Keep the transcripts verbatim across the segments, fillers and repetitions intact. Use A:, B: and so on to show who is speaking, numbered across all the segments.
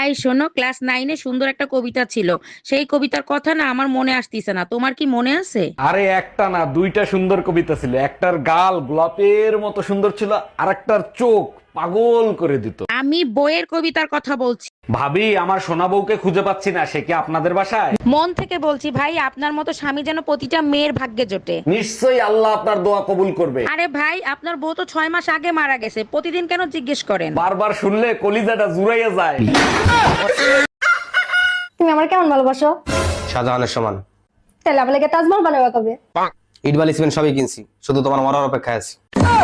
A: এই শোনো, ক্লাস নাইনে সুন্দর একটা কবিতা ছিল, সেই কবিতার কথা না আমার মনে আসতিছে না। তোমার কি মনে আছে?
B: আরে একটা না, দুইটা সুন্দর কবিতা ছিল। একটার গাল গোলাপের মতো সুন্দর ছিল, আর একটার চোখ পাগল করে দিত।
A: আমি বইয়ের কবিতার কথা বলছি।
B: ভাবি, আমার সোনা বউকে খুঁজে পাচ্ছি না, সে কি আপনাদের বাসায়?
A: মন থেকে বলছি ভাই, আপনার মতো স্বামী যেন প্রতিটা মেয়ের ভাগ্যে জোটে।
B: নিশ্চয়ই আল্লাহ আপনার দোয়া কবুল করবে।
A: আরে ভাই, আপনার বউ তো ছয় মাস আগে মারা গেছে, প্রতিদিন কেন জিজ্ঞেস করেন?
B: বারবার শুনলে কলিজাটা জুড়াইয়া যায়।
C: তুমি আমার কেমন ভালোবাসো?
D: শাহজাহানের সমান।
C: তাহলে আমার লাগে তাজমহল বানাবে কবে?
D: ইট বালি সিমেন্ট সবই কিনছি, শুধু তোমার মরার অপেক্ষায় আছি।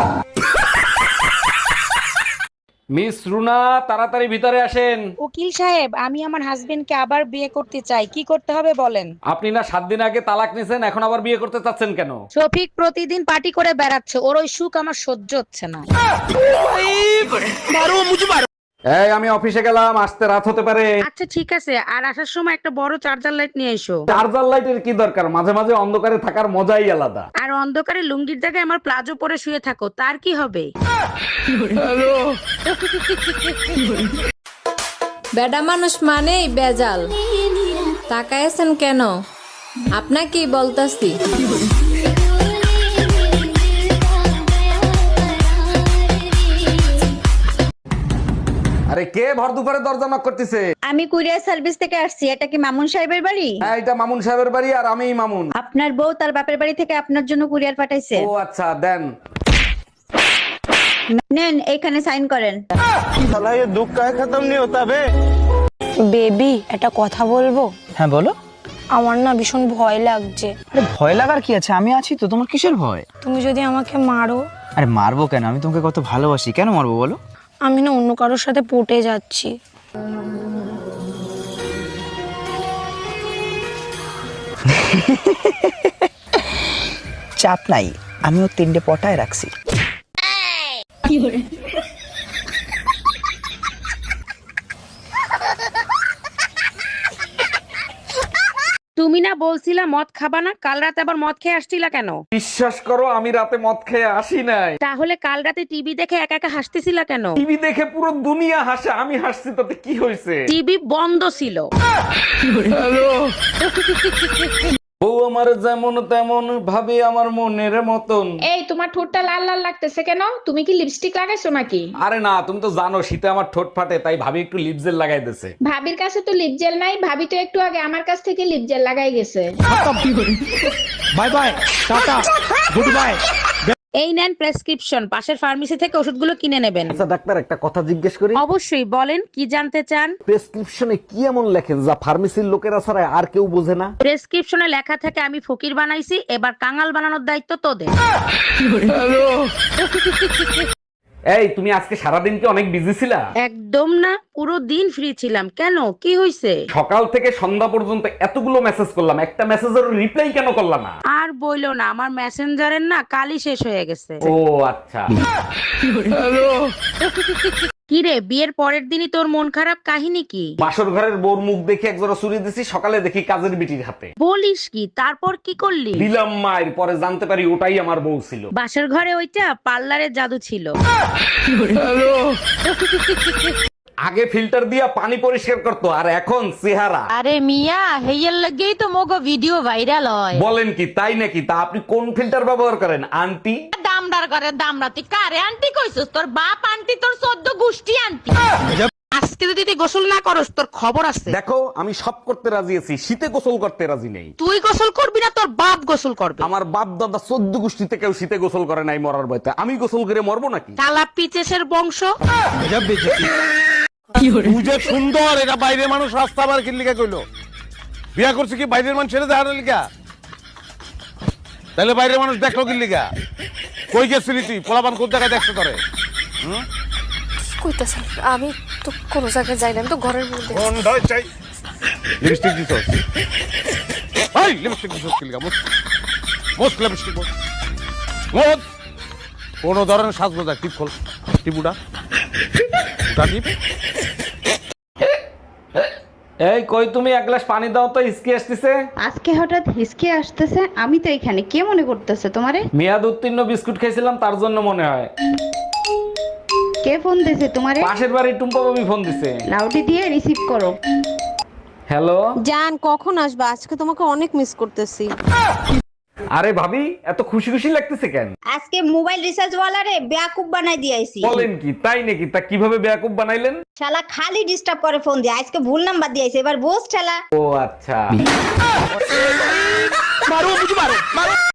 B: মিস রুনা, তাড়াতাড়ি ভিতরে আসেন।
A: উকিল সাহেব, আমি আমার হাজবেন্ডকে আবার বিয়ে করতে চাই, কি করতে হবে বলেন?
B: আপনি না সাত দিন আগে তালাক নিছেন, এখন আবার বিয়ে করতে চাচ্ছেন কেন?
A: শফিক প্রতিদিন পার্টি করে বেড়াচ্ছে, ওর ওই সুখ আমার সহ্য হচ্ছে না।
B: এই, আমি অফিসে গেলাম, আসতে রাত হতে পারে।
A: আচ্ছা ঠিক আছে, আর আসার সময় একটা বড় চার্জার লাইট নিয়ে এসো।
B: চার্জার লাইটের কি দরকার? মাঝে মাঝে অন্ধকারে থাকার মজাই আলাদা।
A: আর অন্ধকারে লুঙ্গির জায়গায় আমার প্লাজো পরে শুয়ে থাকো, তার কি হবে?
E: বেডা মানুষ মানেই বেজাল। তাকায়েছেন কেন? আপনাকেই বলতাছি।
B: আরে কে ভর দুপুরে দরজা নক করতেছে?
F: আমি কুরিয়ার সার্ভিস থেকে আসছি। এটা কি মামুন সাহেবের বাড়ি?
B: হ্যাঁ, এটা মামুন সাহেবের বাড়ি, আর আমিই মামুন।
F: আপনার বউ তার বাপের বাড়ি থেকে আপনার জন্য কুরিয়ার পাঠাইছে।
B: ও আচ্ছা, দেন।
F: নেন, এখানে সাইন করেন।
G: বেবি, একটা কথা বলবো?
H: হ্যাঁ বলো।
G: আমার না ভীষণ ভয় লাগছে।
H: আরে ভয় লাগার কি আছে, আমি আছি তো, তোমার কিসের ভয়?
G: তুমি যদি আমাকে মারো?
H: আরে মারবো কেন, আমি তোমাকে কত ভালোবাসি, কেন মারবো বলো?
G: আমি না অন্য কারোর সাথে পটে যাচ্ছি।
H: চাপ নাই, আমিও তিনটে পটায় রাখছি।
A: তুমি না বলছিলা মদ খাবা না, কাল রাতে আবার মদ খেয়ে আসছিলা কেন?
B: বিশ্বাস করো, আমি রাতে মদ খেয়ে আসি নাই।
A: তাহলে কাল রাতে টিভি দেখে একা একা হাসতেছিলা কেন?
B: টিভি দেখে পুরো দুনিয়া হাসে, আমি হাসছি তাতে কি হয়েছে?
A: টিভি বন্ধ ছিল।
B: ও আমার যেমন তেমন, ভাবে আমার মনের মতন।
I: এই, তোমার ঠোঁটটা লাল লাল লাগতেছে কেন? তুমি কি লিপস্টিক লাগাইছো নাকি?
B: আরে না, তুমি তো জানো শীতে আমার ঠোঁট ফাটে, তাই ভাবি একটু লিপ জেল লাগাই দিছে।
I: ভাবির কাছে তো লিপ জেল নাই, ভাবি তো একটু আগে আমার কাছ থেকে লিপ জেল লাগাই গেছে।
H: Bye bye, tata, good bye.
A: এই নেন প্রেসক্রিপশন, পাশের ফার্মেসি থেকে ওষুধগুলো কিনে নেবেন।
B: আচ্ছা ডাক্তার, একটা কথা জিজ্ঞেস করি?
A: অবশ্যই, বলেন কি জানতে চান?
B: প্রেসক্রিপশনে কি এমন লেখেন যা ফার্মেসির লোকেরা ছাড়া আর কেউ বোঝে না?
A: প্রেসক্রিপশনে লেখা থাকে আমি ফকির বানাইছি, এবার কাঙাল বানানোর দায়িত্ব তোদের।
B: এই, তুমি আজকে সারাদিন কি অনেক বিজি ছিলা?
A: একদম না, পুরো দিন ফ্রি ছিলাম। কেন, কি হইছে?
B: সকাল থেকে সন্ধ্যা পর্যন্ত এতগুলো মেসেজ করলাম, একটা মেসেজের রিপ্লাই কেন করলাম না?
A: আর বইলো না, আমার মেসেঞ্জারের না কালই শেষ হয়ে গেছে।
B: ও আচ্ছা।
A: কি রে, বিয়ের পরের দিনই তোর মন খারাপ, কাহিনী কি?
B: বাসর ঘরের বোর মুখ দেখে একজোড়া চুরি দিছি, সকালে দেখি কাজের বিটির হাতে।
A: বলিস কি? তারপর কি করলি?
B: দিলাম মায়ের, পরে জানতে পারি ওটাই আমার বউ ছিল।
A: বাসর ঘরে ওইটা পার্লারের জাদু ছিল।
B: আগে ফিল্টার দিয়া পানি পরিষ্কার করতো, আর এখন চেহারা।
E: আরে মিয়া, হেইয়ার লাগেই তো মগো ভিডিও ভাইরাল হয়।
B: বলেন কি, তাই নাকি? তা আপনি কোন ফিল্টার ব্যবহার করেন আন্টি?
E: দামদার করে দামরাতি কারে আন্টি কইছস? তোর বাপ আন্টি, তোর চোদ্দ গোষ্ঠী আন্টি।
A: আজকে যদি তুই গোসল না করস তোর খবর আছে।
B: দেখো, আমি সব করতে রাজি আছি, শীতে গোসল করতে রাজি নেই।
A: তুই গোসল করবি না, তোর বাপ গোসল করবে।
B: আমার বাপ দাদা চোদ্দ গোষ্ঠীতে কেউ শীতে গোসল করে নাই মরার ভয়তে, আমি গোসল করে মরবো নাকি?
A: কালা পিচেসের বংশ।
J: তুই যে সুন্দর, এটা বাইরের মানুষ রাস্তা বার কি লিখা কইলো? বিয়া করছে কি বাইরের মানুষ ছেড়ে দেখানোর লিখা? তাহলে বাইরের মানুষ দেখলো কি লিখা? কই গেছিলি তুই? পোলাপান কোন জায়গায় দেখতে করে?
C: কইতাছেন? আমি তো কোনো জায়গায় যাই না, আমি তো ঘরের মধ্যে।
J: গন্ধই চাই। লিপস্টিক দিছস? এই লিপস্টিক দিছস কি লিখা? মোস মোস লিপস্টিক মোস। মোস কোন ধরনের সাজগোজ আছে? টিপ খোল, টিপুটা উঠা টিপ।
B: এই কই তুমি, এক গ্লাস পানি দাও তো, হিসকি আসতেছে।
F: আজকে হঠাৎ হিসকে আসতেছে? আমি তো এখানে, কে মনে করতেছে তোমারে?
B: মেয়াদ উত্তীর্ণ বিস্কুট খেয়েছিলাম, তার জন্য মনে হয়।
F: কে ফোন দিছে তোমারে?
B: পাশের বাড়ির টুম্পা ভাবি ফোন দিছে।
F: লাউডি দিয়ে রিসিভ করো।
B: হ্যালো
E: জান কখন আসবা? আজকে তোমাকে অনেক মিস করতেছি।
B: আরে ভাবি এত খুশি খুশি লাগতেছে কেন?
F: আজকে মোবাইল রিচার্জ ওয়ালারে বেয়াকুব বানাই দিয়েছি।
B: বলেন কি, তাই নাকি? তা কিভাবে বেয়াকুব বানাইলেন?
F: শালা খালি ডিস্টার্ব করে ফোন দিয়ে, আজকে ভুল নাম্বার দিয়েছে, এবার বোস ঠেলা।
B: ও আচ্ছা।